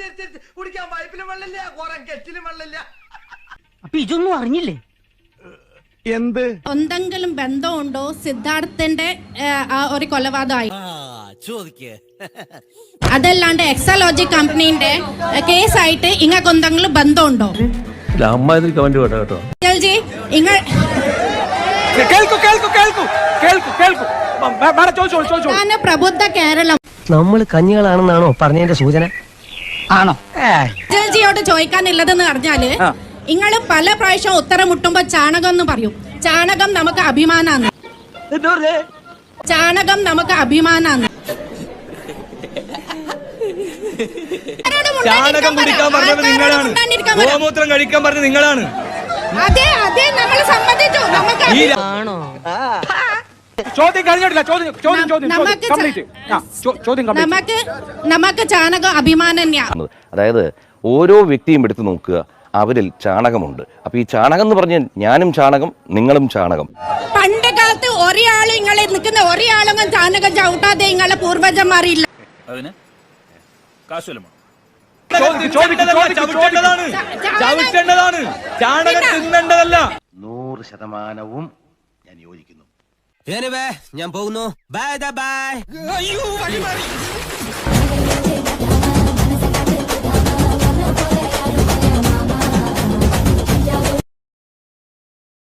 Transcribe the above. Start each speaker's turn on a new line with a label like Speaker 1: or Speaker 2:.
Speaker 1: കുടിക്കാൻ പൈപ്പിലും വെള്ളമില്ല, കുറെ കെറ്റിലും വെള്ളമില്ല.
Speaker 2: അപ്പൊ ഇതൊന്നും അറിഞ്ഞില്ലേ?
Speaker 3: എന്ത്
Speaker 4: എന്തെങ്കിലും ബന്ധമുണ്ടോ സിദ്ധാർത്ഥന്റെ ഒരു കൊലപാതകമായി? അതല്ലാണ്ട് എക്സലോജി കമ്പനീന്റെ കേസായിട്ട് ഇങ്ങൾക്ക് എന്തെങ്കിലും ബന്ധമുണ്ടോ? ജി ഇങ്ങൾ പ്രബുദ്ധ കേരളം
Speaker 2: നമ്മൾ കഞ്ഞികളാണെന്നാണോ പറഞ്ഞതിന്റെ സൂചന? ആണോ?
Speaker 4: ജിയോട് ചോദിക്കാനുള്ളതെന്ന് പറഞ്ഞാല് നിങ്ങള് പല പ്രാവശ്യം ഉത്തരം മുട്ടുമ്പോ ചാണകം എന്ന് പറയും. ചാണകം നമുക്ക് അഭിമാനാണ്. ചാണകം നമുക്ക് അഭിമാനാണ്.
Speaker 3: ചാണകം കുടിക്കാൻ പറഞ്ഞത് നിങ്ങളാണ്, ഗോമൂത്രം കഴിക്കാൻ പറഞ്ഞത് നിങ്ങളാണ്.
Speaker 4: അതെ അതെ നമ്മൾ സമ്മതിച്ചു. നമുക്ക് ചാണകം അഭിമാനം.
Speaker 5: അതായത് ഓരോ വ്യക്തിയും എടുത്തു നോക്കുക, അവരിൽ ചാണകമുണ്ട്. അപ്പൊ ഈ ചാണകം എന്ന് പറഞ്ഞാൽ ഞാനും ചാണകം, നിങ്ങളും ചാണകം.
Speaker 4: പണ്ട് കാലത്ത് ഒരാളും ഇങ്ങളെ നിൽക്കുന്ന ഒരാളും ചാണകം ചവിട്ടാതെ നിങ്ങളെ പൂർവജന്മാരില്ല.
Speaker 3: ചാണകം തിന്നേണ്ടതല്ല.
Speaker 1: 100% ഞാൻ യോജിക്കുന്നു.
Speaker 2: ഞാൻ പോകുന്നു. Bye by.